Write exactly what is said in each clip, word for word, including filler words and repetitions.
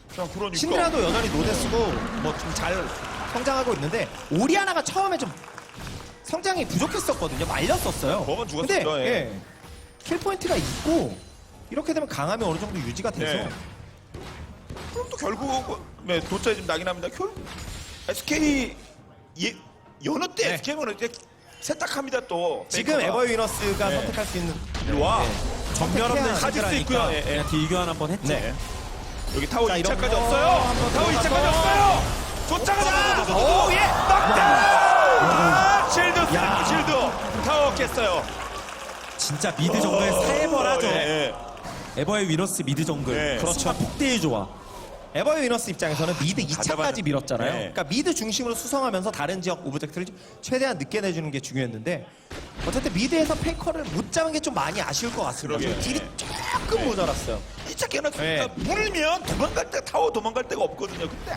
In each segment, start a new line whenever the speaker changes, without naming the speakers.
자, 그러니까.
신드라도 여전히 노데스고 뭐 좀 잘 성장하고 있는데 오리아나가 처음에 좀 성장이 부족했었거든요. 말렸었어요.
먹은
근데
죽었어요. 예.
예, 킬 포인트가 있고 이렇게 되면 강함이 어느 정도 유지가 돼서
네. 그럼 또 결국 네, 도짜에 좀 나긴 합니다. 결 에스케이 예, 여느 때
네.
에스케이는 이제 세탁합니다 또.
지금
베이커가.
에버 위너스가
네.
선택할 수 있는
일로 와.
전멸 없는
카직스 있고요. 예, 예.
그냥 딜교환 한번 했죠.
네.
여기 타워
자,
이
이런
차까지
거
없어요.
한번
타워 이 차까지
들어가서.
없어요. 쫓아가자.
오, 예.
아, 실드 쓰고 실드 타워 깼어요.
진짜 미드 정글 살벌하죠.
예, 예.
에버의 위너스 미드 정글.
네.
그렇죠. 폭대의 조화.
에버 위너스 입장에서는 미드 이 차까지
가져가는-
밀었잖아요.
네.
그러니까 미드 중심으로 수성하면서 다른 지역 오브젝트를 최대한 늦게 내주는 게 중요했는데 어쨌든 미드에서 페이커를 못 잡은 게 좀 많이 아쉬울 것 같습니다.
그러게요.
좀 딜이 조금 모자랐어요.
이 차 깨는
네.
물면 도망갈 때 타워 도망갈 데가 없거든요. 근데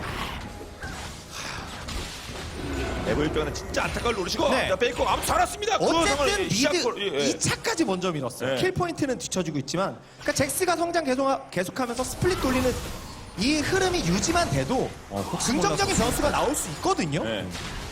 에버 입장은 진짜 안타까울 노리시고
네.
자, 베이커 아무 잘했습니다. 그
어쨌든
상황을
미드
시작골, 예, 예.
이 차까지 먼저 밀었어요.
네.
킬 포인트는 뒤쳐주고 있지만 그러니까 잭스가 성장 계속, 계속하면서 스플릿 돌리는 이 흐름이 유지만 돼도 긍정적인 변수가 나올 수 있거든요.
네.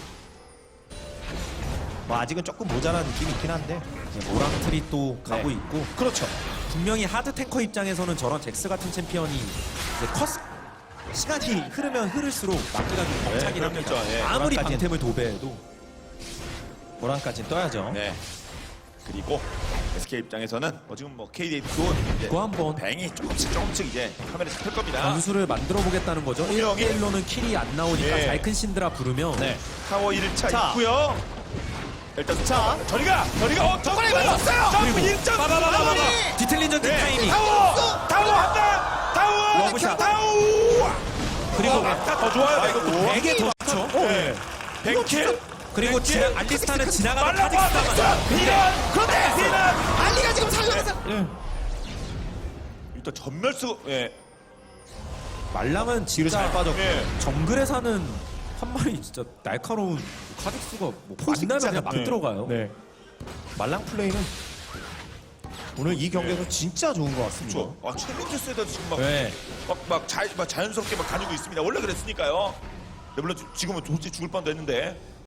뭐 아직은 조금 모자란 느낌이 있긴 한데
모랑틀이 또 가고
네.
있고
그렇죠.
분명히 하드 탱커 입장에서는 저런 잭스 같은 챔피언이 이제 커스 시간이 흐르면 흐를수록 막기가 좀 벅차긴
네,
합니다.
그렇겠죠. 예.
아무리
모랑까지는.
방템을 도배해도
모란까지 떠야죠.
네. 그리고 에스케이 입장에서는 뭐 지금 뭐 케이디에이도 이제
그거 한번
뱅이 조금씩 조금씩 이제 카메라에 잡힐 겁니다.
변수를 만들어 보겠다는 거죠.
분명히.
일 대 일로는 킬이 안 나오니까
예.
잘 큰 신드라 부르면
네.
타워 일 차
자.
있고요. 일단
자.
저리가 저리가 어 점프 맞았어요. 점프 일 점
빠바바바바 디텔린전트
네.
타이밍
타워 타워 한다. 타워
러브샷.
타워.
그리고
아까 더 좋아요. 이거
되게 더 좋죠.
네. 뱅킬
그리고
뱅킬.
지나, 알리스타는 지나가는
말라고
카직스가
하면서 비난 그런데 비난
알리가 지금 살려서
일단 전멸수 예.
말랑은
뒤로
진짜
잘 빠졌고
예.
정글에 사는 한 마리 진짜 날카로운 카직스가 뭐 만나면 그냥 막
네.
들어가요.
네. 말랑 플레이는 오늘 이 경기에서 진짜 좋은 것 같습니다.
그렇죠. 아 챌린저스에다 지금 막
네.
막, 막, 자, 막 자연스럽게 막 다니고 있습니다. 원래 그랬으니까요. 네, 물론 지- 지금은 도저히 죽을 뻔도 했는데